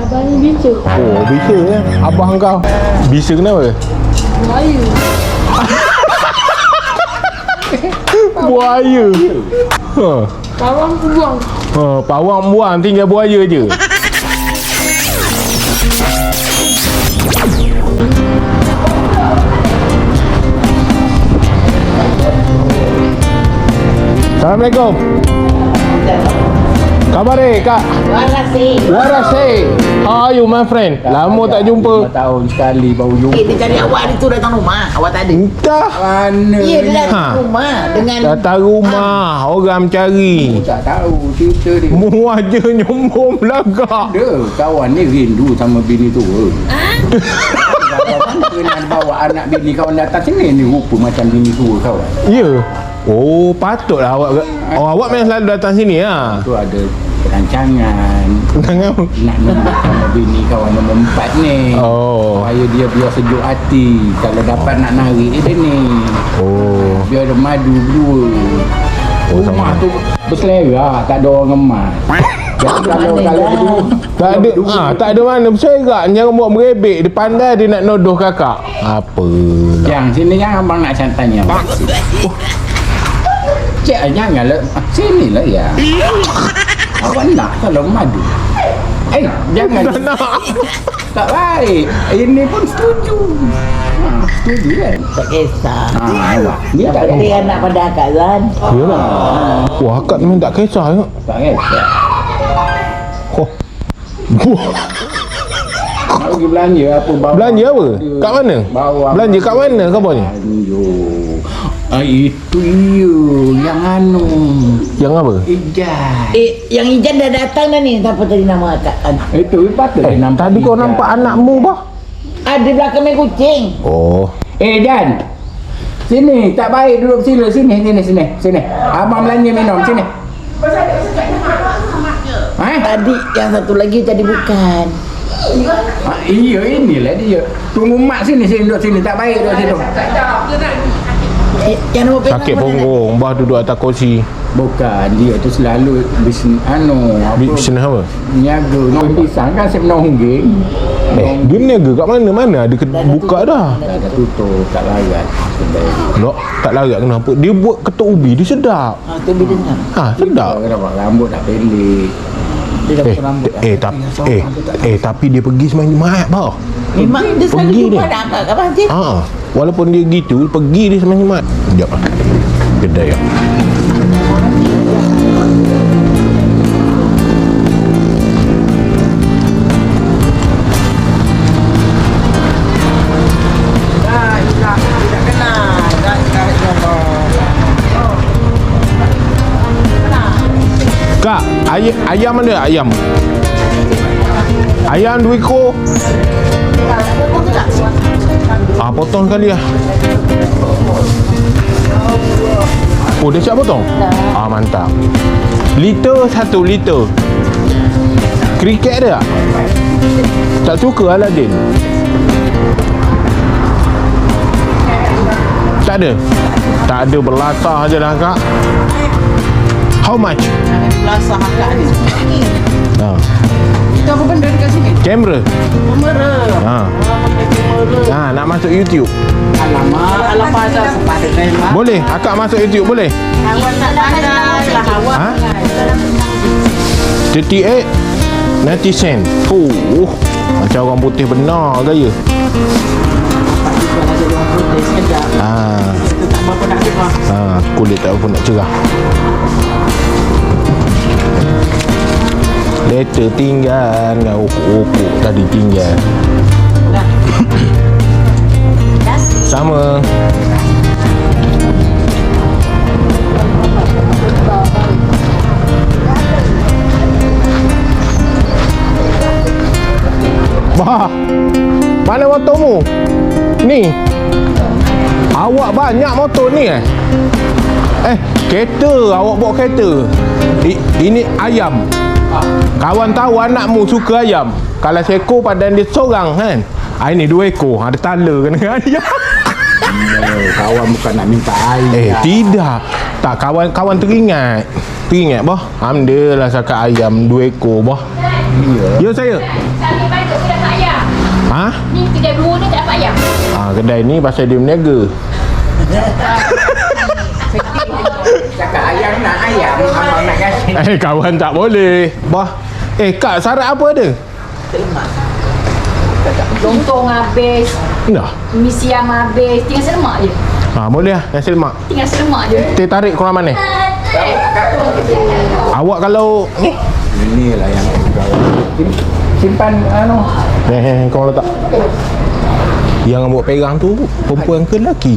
Abang ni bisa. Oh, bisa ya. Abang kau. Bisa kenapa? Buaya. Buaya. Ha. Pawang buang. Ha, pawang buang tinggal buaya je. Assalamualaikum. Khabar Kak? Warasi. How are you my friend? Lama tak jumpa. 5 tahun sekali baru jumpa. Dia cari awak ni tu datang rumah. Awak tak ada. Entah. Mana? Ya, dia datang Ha. rumah dengan Datang rumah, orang mencari. Tak tahu cerita dia. Mu aja nyombong belagak. Ada kawan ni rindu sama bini tu. Kawan kena bawa anak bini kawan datang sini ni rupa macam bini tua kawan. Ya. Oh, patutlah awak. Oh, awak memang selalu datang sini lah. Tu ada rancangan Jangan. nak nombor sama bini kawan nombor 4 ni. Oh. Supaya dia biar sejuk hati. Kalau dapat nak narik dia ni. Oh. Biar ada madu berdua. Oh, Rumah sama. tu berselera, tak ada orang emas. Jadi kalau berdua Tak ada, tak ada mana berserak. Jangan buat merebek. Dia pandai dia nak nodoh kakak. Apa? yang sini yang abang nak tanya. Cik janganlah sini lah ya. Awak nak kalau madu. Jangan. Tak nak. Tak baik. Ini pun setuju. Setuju kan? tak kisah. Awak. Ni tak Dia ada. anak pada akak kan. Yalah. Wah, akak memang tak kisah ya. Tak kisah. Oh. Nak pergi belanja apa bawa? Belanja apa? Kat mana? Bawa. Belanja kat mana khabarnya? Itu yang anu. Yang apa? Ijan. Yang Ijan dah datang dah ni. Siapa tadi nama akak kan? Itu patut dia nampak. Tadi kau Ijan. nampak anakmu bah? Ada belakang main kucing. Oh. Jan. Sini, tak baik duduk sini. Sini. Abang belanja minum sini. Tadi yang satu lagi tadi bukan. Iya, inilah dia. Tunggu mak sini duduk sini. Tak baik duduk situ. Yang nombor perak Sakit mana punggung, bah duduk atas kursi. Bukan, dia tu selalu bisnes Bisnes apa? niaga. Nombor pisang kan RM10. Dia meniaga kat mana? Mana ada buka dah. Dah tutup, tak larat. Tak, tak larat kenapa? Dia buat ketuk ubi, dia sedap. Tu bila dengar. Ha, sedap. Kenapa rambut dah pendek. Dia dah potong rambut dah. Tapi dia pergi semain Jumaat bah. Memang dia selalu Pergi jumpa dia. dah akak kat Pasir. Ha, walaupun dia gitu, pergi dia semain Jumaat. Sekejap lah. Kedai lah. Tidak kenal. Kak, ayam ada ayam? Ayam 2 ekor. Potong sekali lah. Oh, dia siap potong? Mantap. Liter 1 liter. Kriket ada tak? Tak suka Aladin? Tak ada? Tak ada, berlatah je lah kak. How much? Belasah akak ni. Ha. Itu apa benda dekat sini? Kamera. Kamera. Ha, nak masuk YouTube. Alamak dah sempat dengan Boleh? Akak masuk YouTube boleh? awak tak pandai lah awak. Ha? 38 90 sen. Macam orang putih benar gaya. Tak apa nak dengar. Kulit tak apa nak cerah. Letter tinggal dengan okok-okok tadi tinggal. Sama. Bah, mana motormu? Ni. Awak banyak motor ni kereta. Awak bawa kereta. Ini ayam. Kawan tahu anakmu suka ayam. Kalau seekor padan dia seorang kan. Ini 2 ekor. Ada tala kena ayam. Kawan bukan nak minta air. Tidak. Tak, kawan teringat. Teringat bah. Alhamdulillah sakat ayam 2 ekor bah. Ya saya. Ni banyak kedai tak ayam. Ha? Ni kedai blue ni tak dapat ayam. Kedai ni pasal dia berniaga. Cakap ayam nak ayam, abang nak kasih. Kawan tak boleh. Bah. Kak, syarat apa ada? Lontong habis, Dah. mi siam habis, tinggal selemak je. Boleh lah. Nasi lemak. Tinggal selemak je. Teh tarik korang mana? Awak kalau ni. Inilah yang simpan Kau letak. Yang buat pegang tu perempuan ke lelaki?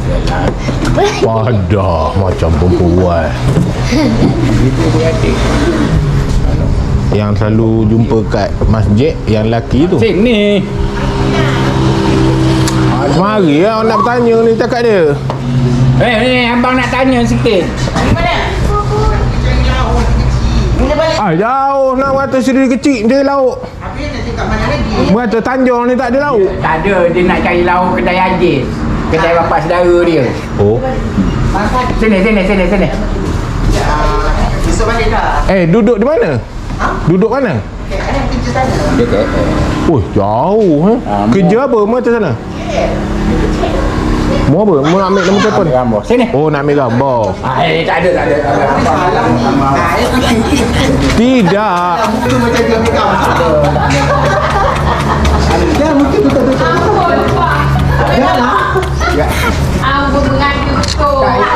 Padah macam perempuan. itu dia adik. Yang selalu jumpa kat masjid yang lelaki tu. Sini. Mari lah nak bertanya ni cakap dia. Ni abang nak tanya sikit. Jauh nak kata sendiri kecil dia lauk. Berkata Tanjung ni tak ada lauk. Tak ada, dia nak cari lauk kedai Aziz. Kedai bapak saudara dia. Oh. Sini. Duduk di mana? Duduk mana? Dia kata. Jauh Kerja apa? Mana sana? Mau apa? Mau nak ambil nombor telefon? Gambar. Sini. Nak ambil gambar. Tak ada. Tidak. Aku mengadu tu.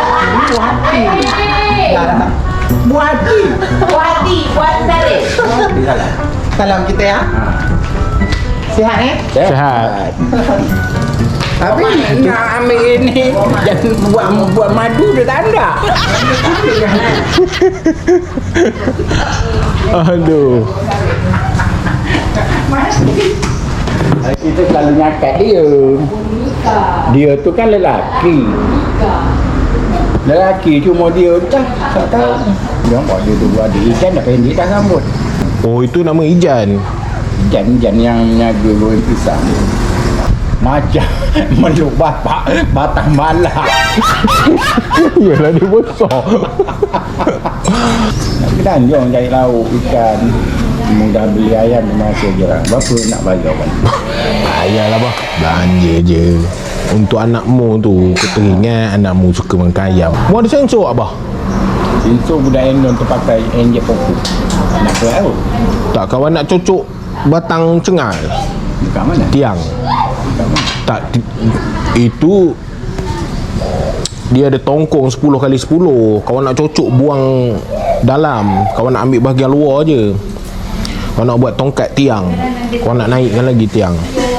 Buat tarik. Salam kita ya. Sihat Sehat. Tapi nak ambil ini jangan buat madu dia tak ada. Aduh. Kita selalu nyakat dia. Dia tu kan lelaki. Lelaki cuma dia tak tahu. Dia buat dia tu ada ikan dah pendek dah rambut. Itu nama Ijan. Ikan yang nyaga goreng pisang. Macam meluk bapak batang malak. Yalah dia besar. Nak ke Tanjung cari lauk ikan. Mudah beli ayam masa je lah. Berapa nak bayar kan? Ayalah bah. Belanja je. Untuk anakmu tu, kau teringat anakmu suka makan ayam. Mau ada sensor abah? Sensor budak Endon tu pakai enjek pokok. Nak ke laut? Tak, kawan nak cocok batang cengal. Dekat mana? Tiang. Tak, itu dia ada tongkong 10x10. Kawan nak cocok buang dalam, kawan nak ambil bahagian luar je. Kawan nak buat tongkat tiang, kawan nak naikkan lagi tiang.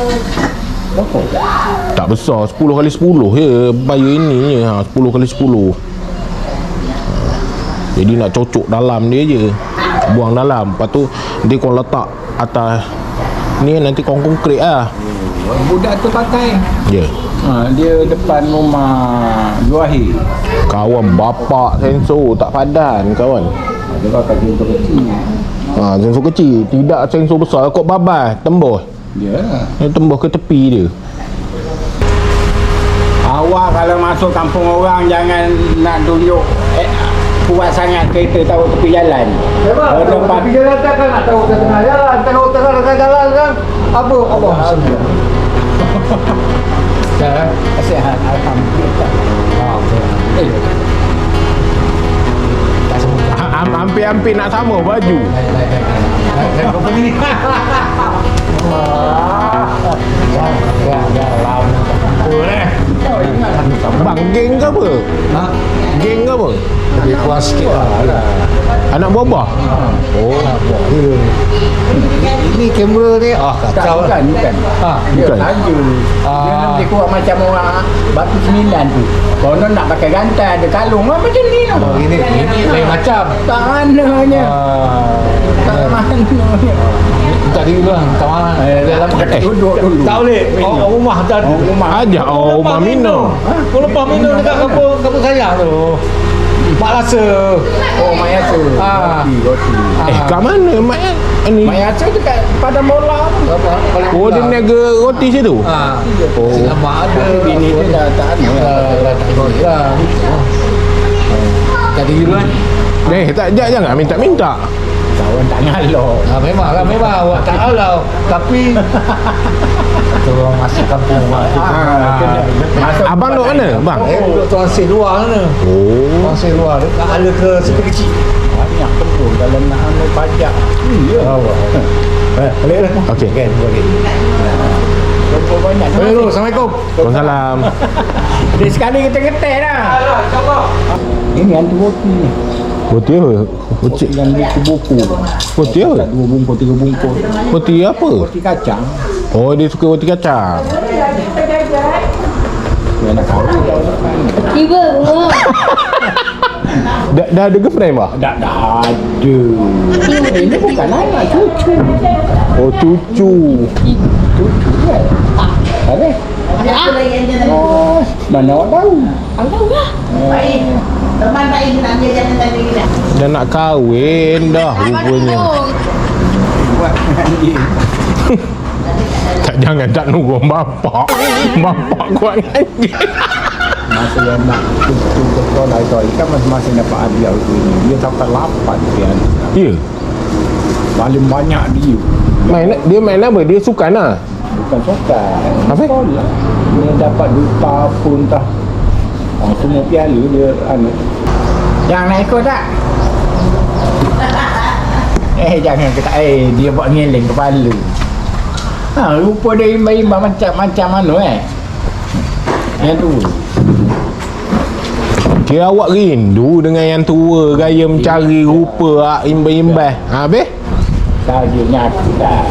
Tak besar, 10x10 je. Bayar ini je, 10x10. Jadi nak cocok dalam dia je, buang dalam. Lepas tu nanti kau letak atas ni, nanti kau konkret lah. Budak tu pakai. Ya. Dia depan rumah Zuahir. Kawan bapak sensor tak padan kawan. Dia pakai sensor kecil. Sensor kecil, tidak sensor besar. Kok babas tembus. Ya. Dia tembus ke tepi dia. Awak kalau masuk kampung orang jangan nak tunjuk kuat sangat kereta tahu tepi jalan. Tepi jalan tak kan nak tahu ke tengah jalan, tahu tengah jalan kan. Apa? Sihat alhamdulillah. Hampir-hampir nak sama baju. Bang, geng ke apa? Geng ke apa? Lebih kuat sikit lah. Anak buah-buah? Ini kamera ni kacau lah. Bukan. Dia Bukan. laju. Dia nanti kuat macam orang Batu 9 tu. Konon nak pakai gantai ada kalung macam ni lah. Ini lain macam. Tak mananya. Tak mananya. Tak diri dulu lah. Tak mana. Dalam Duduk dulu. tak boleh. Rumah tak ada. Rumah. Ajak rumah minum. Kau lepas minum dekat kampung sayang tu. Mak rasa. Oh, Mak Yasa. Roti. Kat mana mak ni? Mak Yasa dekat Padang Bola tu. Oh, dia niaga roti situ? Mak ada. Tapi bini dia dah tak ada. Tak diri dulu kan. Tak jangan minta-minta. Tak Awak tak ngalor. Memanglah memang awak tak halau. Tapi tu orang masuk kampung awak tu. Masuk Abang duduk mana bang? Duduk Tuan Seh luar sana. Oh, Tuan Seh luar dekat ala ke situ kecil. banyak betul kalau nak ambil pajak. Ya. Awak. Boleh lah. okey. Kan boleh. Berapa banyak. Boleh tu. Assalamualaikum. Waalaikumsalam. Dia sekali kita getek dah. Ini hantu roti ni. Roti apa? Roti, Yang buku-buku. roti apa? 2 bungkus, 3 bungkus. Roti apa? Roti kacang. Oh, dia suka roti kacang. Dia nak kahwin dah depan. Tiba semua. Dah ada girlfriend bah? Dah ada. Ini bukan anak, cucu. Oh, cucu. Cucu kan? Habis? Oh, mana awak tahu? Baik. Teman baik nak dia jangan tadi kita. Dah nak kahwin dah rupanya. Buat dengan dia. Tak, jangan tak nunggu bapak. Bapak kuat ngaji. Masa yang nak cucu ke sekolah itu kan masing-masing dapat hadiah itu ini. Dia sampai 8 dia. Ya. Paling banyak dia. Dia main apa? Dia sukan lah. Bukan sokan. Apa? Sekolah. Dia dapat duta pun tah. Oh, semua piala dia anu. Yang nak ikut tak? Jangan kata dia buat ngeleng kepala. Rupa dia imbang-imbang macam mana Yang tu. Kira awak rindu dengan yang tua, gaya mencari rupa imbang-imbang. Habis? Saja nyatu dah.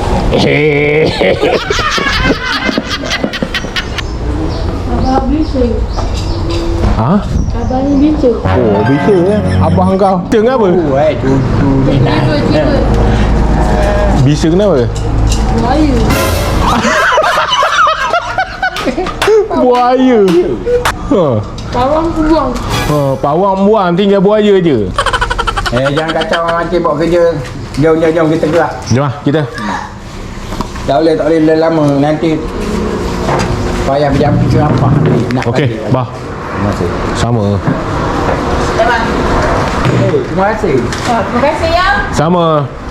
Abang bising. Ha? Abang ni bising. Oh, bisa lah. Abang kau. Bisa kenapa? Cucu ni nak. Tiba. Bisa kenapa? Buaya. Buaya. Ha. Pawang aku buang. Ha, pawang buang tinggal buaya je. Jangan kacau orang mati buat kerja. Jom kita gerak. Jom lah kita. Tak boleh lama nanti payah berjam apa nak. Okey, bah. Terima kasih. Sama. Terima kasih. Terima kasih ya. Sama.